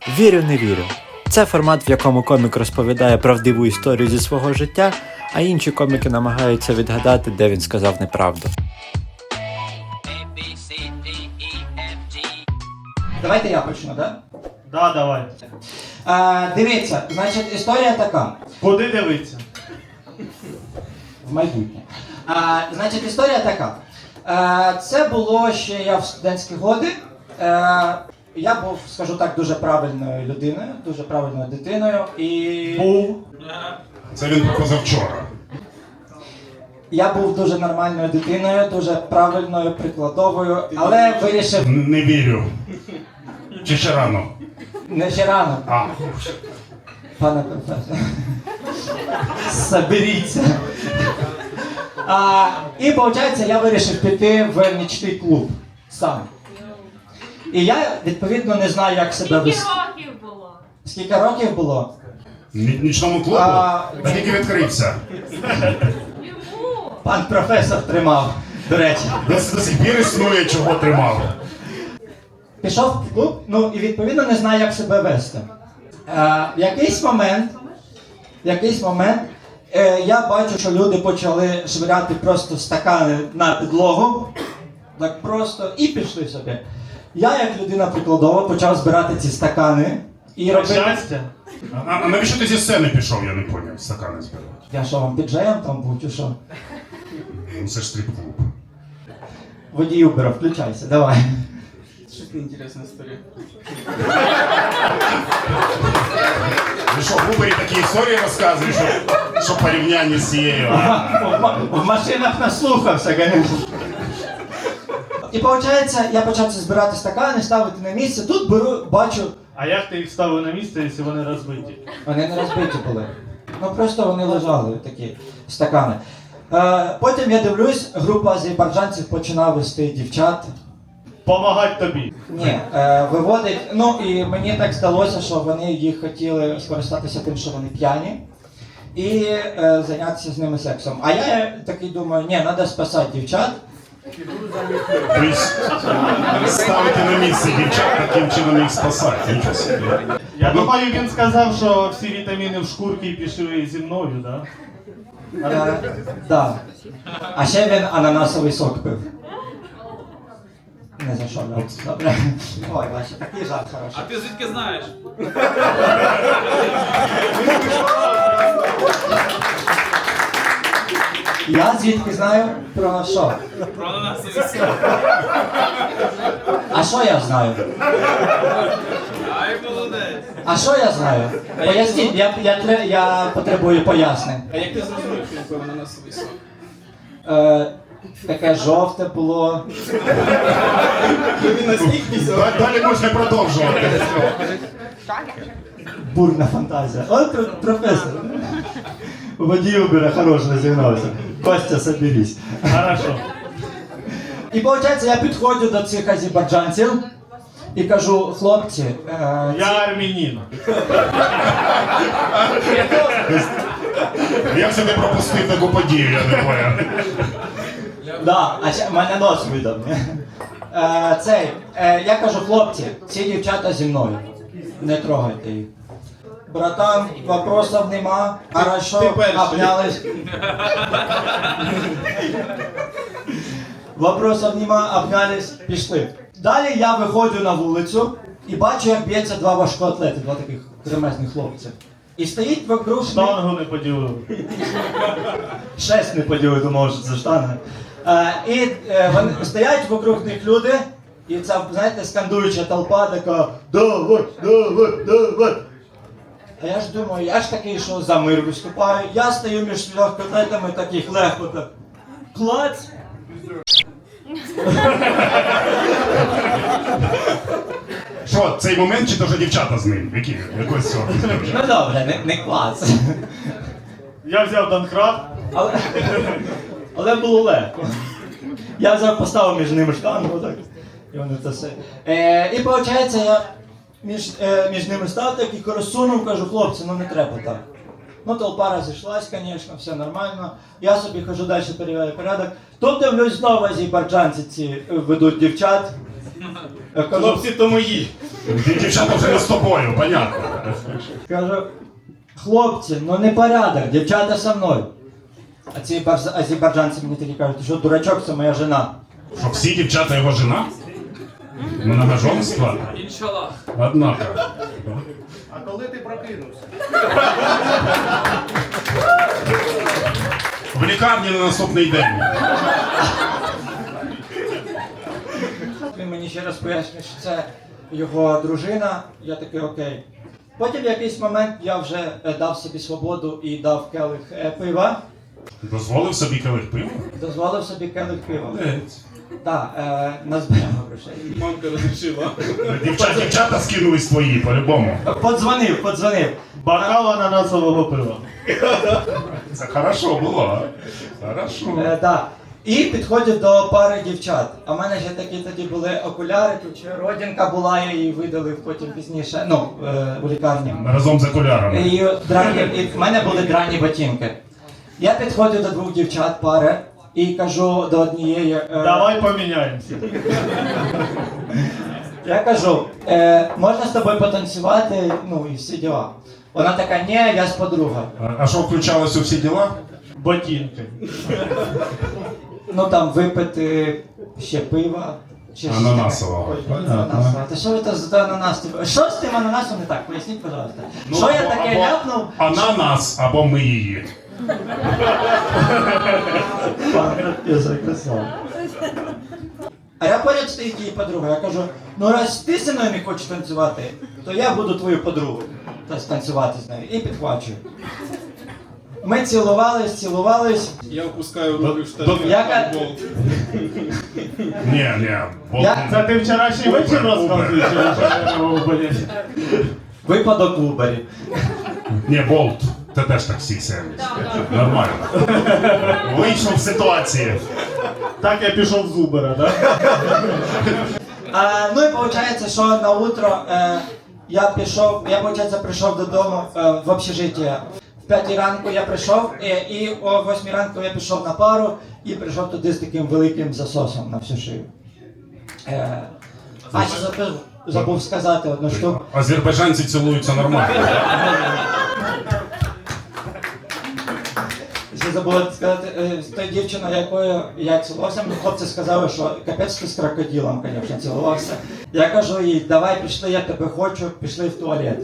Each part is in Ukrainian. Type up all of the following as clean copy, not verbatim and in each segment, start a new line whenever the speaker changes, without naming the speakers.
Вірю, не вірю. Це формат, в якому комік розповідає правдиву історію зі свого життя, а інші коміки намагаються відгадати, де він сказав неправду.
Давайте я почну, так?
Да, давай.
Дивіться, значить, історія така.
Куди дивитися?
В майбутнє. Значить, історія така. Це було ще я в студентські годи. Я був, скажу так, дуже правильною людиною, дуже правильною дитиною. І
Був.
Це він позавчора.
я був дуже нормальною дитиною, дуже правильною, прикладовою, але вирішив
Не вірю. Чи ще рано?
не ще рано,
А,
пане професор. Соберіться. І, виходить, я вирішив піти в нічний клуб сам. І я, відповідно, не знаю, як себе
Скільки
вести.
років було?
Скільки років було?
нічному клубу? Тільки відкрився.
Йому!
Пан професор тримав, до речі.
До сих пір існує, чого тримав.
Пішов в клуб, ну і відповідно не знаю, як себе вести. В якийсь момент я бачу, що люди почали швиряти просто стакани на підлогу. Так просто, і пішли собі. Я, як людина прикладова, почав збирати ці стакани і робити...
Щастя?
А навіщо ти зі сцени пішов, я не поняв, стакани збирати?
Я що, вам піджеєм там був, чи що?
Ну це ж стрип-клуб.
Водій Uber, включайся, давай.
Что-то интересная история.
Ви що, в Убері такі історії розказуєш, що порівняння з цією?
В машинах наслухався, звісно. І виходить, я почав це збирати стакани, ставити на місце. Тут бачу,
А як ти їх ставив на місце, якщо вони розбиті?
вони не розбиті були. Ну просто вони лежали, такі стакани. Потім я дивлюсь, група азербайджанців починає вести дівчат.
Помагать тобі.
Ні, виводить. Ну і мені так здалося, що вони їх хотіли скористатися тим, що вони п'яні, і зайнятися з ними сексом. А я такий думаю, ні, треба спасати дівчат.
Тобто ставити на місце дівчат, таким чином їх спасати. Нічого собі.
Я думаю, він сказав, що всі вітаміни в шкурці пішли зі мною, да?
Да. А ще він ананасовий сок пив. Не за що, да. Добре. Ой, бачите, такий жарт хороший.
А ты звідки знаєш?
Я звідки знаю про що?
Про ананасовий сок.
А що я знаю?
Ай, молодець.
А що я знаю? Поясніть, я потребую пояснень.
А як ти зрозумів, що такий ананасовий сок?
Таке жовте було.
Далі можна продовжувати.
Бурна фантазія. От професор. Водій Uber хорошо розігнався. Костя, соберись.
Хорошо.
І виходить, я підходжу до цих азербайджанців і кажу, хлопці,
Я армянин.
Як це ти пропустив таку подію, я не поняв.
да, а ще в мене нос видав. Я кажу, хлопці, ці дівчата зі мною. Не трогайте їх. Братан, вопросов нема. Хорошо,
Ти перший.
обнялись. Вопросов нема, обнялись, пішли. Далі я виходжу на вулицю і бачу, як б'ється два важкоатлети, два таких кремезних хлопців. І стоїть вокруг них...
Штангу не поділив.
Шесть не поділив, думав, що це штанга. І вони стоять вокруг них люди, і ця, знаєте, скандуюча толпа така «Давай, давай, давай». А я ж думаю, я ж такий, що за мир виступаю. Я стою між легкоатлетами таких легко так. Клац!
Що, цей момент чи то вже дівчата з ним? Які? Якось цього?
Ну добре, не клац.
Я взяв Донкрафт.
Але було легко. Я взяв, поставив між ними штангу, так. І вони це все. І виходить, я між ними став так і розсунув, кажу, хлопці, ну не треба так. Ну, толпа розійшлась, звісно, все нормально. Я собі хожу далі, перевіряю порядок. Тут дивлюсь, знову азербайджанці ці ведуть дівчат.
Хлопці то мої.
Ті дівчата вже не з тобою, понятно.
Кажу, хлопці, ну не порядок, дівчата со мною. А ці азербайджанці мені такі кажуть, що дурачок, це моя жена.
Що всі дівчата його жена? Многоженство?
Іншаллах.
Однако.
А коли ти прокинувся?
В лікарні на наступний день.
Він мені ще раз пояснює, що це його дружина, я такий окей. Потім в якийсь момент я вже дав собі свободу і дав келих пива,
Дозволив собі келих пива?
дозволив собі келих пива.
Молодець.
Так, назбирав грошей.
Мамка розрішила.
Дівчата скинулись твої, по-любому.
Подзвонив.
Бокал ананасового пива.
Це хорошо було, а? Хорошо.
Так. І підходять до пари дівчат. А в мене ще такі тоді були окуляри, тут ще родинка була, я її видалив потім пізніше, ну, у лікарні.
Разом з окулярами.
І в мене були драні ботинки. Я підходжу до двох дівчат пари і кажу до однієї.
Давай поміняємося.
Я кажу, можна з тобою потанцювати, ну і всі діла. Вона така, ні, я з подругою.
А що включалось у всі діла?
Ботинки.
Ну там випити ще пива. Ще щось
Ананасового.
таке. Ой, ананасового. Та що ви то за ананас? Що з тим ананасом не так? Поясніть, пожалуйста. Що я таке
або
ляпнув?
Ананас, або ми її.
Я закрасав. А я поряд стоїть її подруга. Я кажу, ну раз ти зі мною не хочеш танцювати, то я буду твою подругу танцювати з нею. І підхвачую. Ми цілувались.
Я опускаю руки в
До-
штани.
Яка-
Болт.
Ні,
Це ти вчорашній вечір розказуєш? Чи ви що, блядь?
Випадок в Убері.
Ні, Болт. Це теж таксі сервіс. Нормально. Вийшов в ситуації.
Так я пішов з Убера, да?
Ну і виходить, що на утро я прийшов додому в общежиття. В 5 ранку я прийшов, і о 8 ранку я пішов на пару і прийшов туди з таким великим засосом на всю шию. А ще забув сказати одну штуку.
Азербайджанці цілуються нормально.
Ще забув сказати, з тою дівчиною, якою я цілувався, мені хлопці сказали, що капець ти з крокодилом, звісно, цілувався. Я кажу їй, давай пішли, я тебе хочу, пішли в туалет.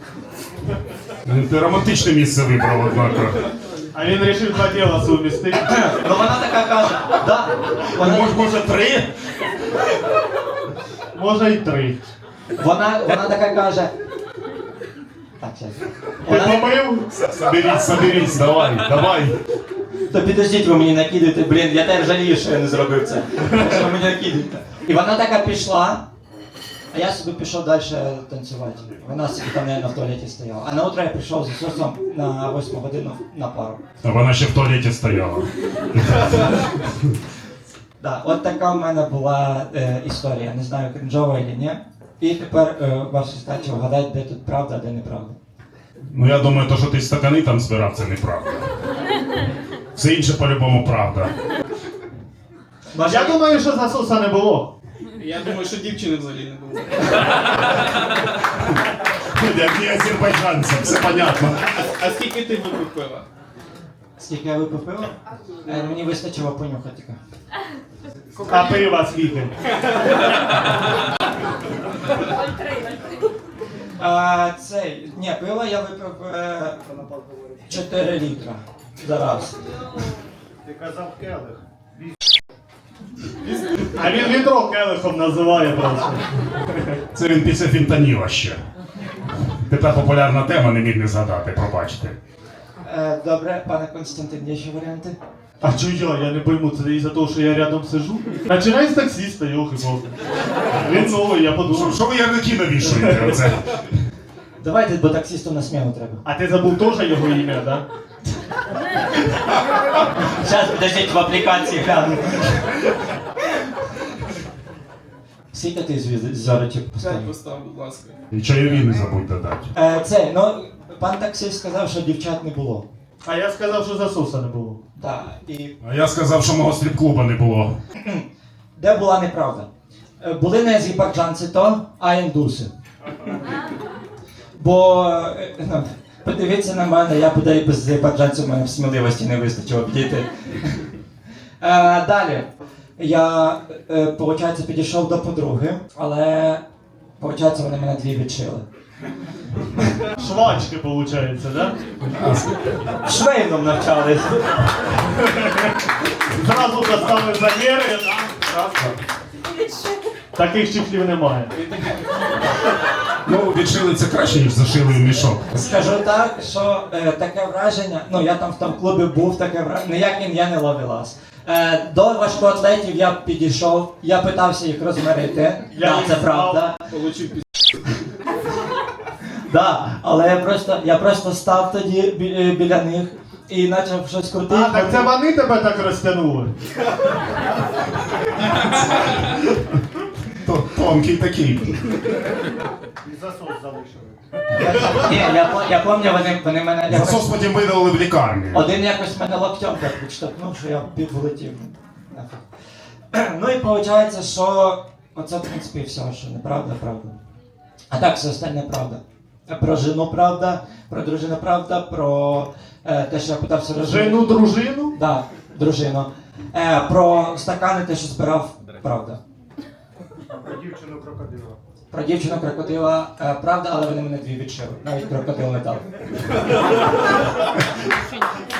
Ти романтичне місце вибрав, однако.
А він вирішив два діла сумістити.
Ну вона така каже, да.
Може 3?
Може й 3.
Вона така каже. Так, зараз.
Ти помив?
Соберись, давай.
То підождіть, ви мені накидаєте, блін, я теж жалію, що я не зробив це. Що ви мені накидаєте. І вона така пішла, а я собі пішов далі танцювати. Вона собі там, мабуть, в туалеті стояла. А на утро я прийшов з Ісусом на 8 годину на пару.
А вона ще в туалеті стояла.
Да, от така в мене була історія. Не знаю, кринжова чи ні. І тепер ваша задача вгадати, де тут правда, а де неправда.
Ну я думаю, то, що ти стакани там збирав, це неправда. Все інше по-любому правда.
Я думаю, що засоса не було.
Я думаю, що дівчини взагалі не було.
Як не азербайджанцям, все понятно.
А скільки ти випив пива?
Скільки я випив пива? Мені вистачило понюхати тільки.
А пива скільки?
Ні, пива я випив 4 літра за раз.
Ти казав келих. А він відро келихом називає просто.
Це він після фінтаніла ще. Тепер популярна тема, не міг не згадати, пробачте.
Добре, пане Константин, є ще варіанти?
А чого я не пойму, це із-за того, що я рядом сижу? Починай з таксиста, йохи-бог. Він новий, я подумав.
Що ви ярлики навішуєте? Оце?
Давайте, бо таксисту на сміну треба.
А ти забув теж його ім'я, да?
Зараз, подождіть, в аплікації гляну. Скільки ти зорочок
5
поставив?
постав, будь ласка.
І чайові не забудь додати.
Пан таксист сказав, що дівчат не було.
А я сказав, що засоса не було.
Так, і
А я сказав, що мого стріп-клуба не було.
де була неправда? були не азербайджанці то, а індуси. Бо, подивіться на мене, я буде і без азербайджанців, у мене в сміливості не вистачило б діти. Далі. Я, виходить, підійшов до подруги, але, виходить, вони мене дві відшили.
Швачки, виходить, да?
Швейном навчались.
Зразу поставили заміри, да? Таких чехлів немає.
Ну, відшили це краще, ніж зашили в мішок.
Скажу так, що таке враження, ну я там в тому клубі був, таке враження, ніяким я не ловилась. До важкоатлетів я підійшов, я питався їх розмирити,
Я їх
це
знав.
правда.
Получив пі...
Да, але я просто став тоді біля них і почав щось крутити.
А, так це вони тебе так розтягнули?
Тонкий такий.
І засос залишили.
Ні, я пам'ятаю, вони мене якось...
Засос потім видали в лікарні.
Один якось мене локтем так відштовхнув, що я влетів. Нафіг. Ну і виходить, що оце в принципі і все, що неправда, правда. А так все остальне правда. Про жену правда, про дружину правда, про те, що я питався розжити.
Жену дружину?
Да, дружину. Про стакани, те, що збирав, правда.
Про дівчину крокодила.
Про дівчину крокодила, правда, але вони мене дві відшили. Навіть крокодил не дав.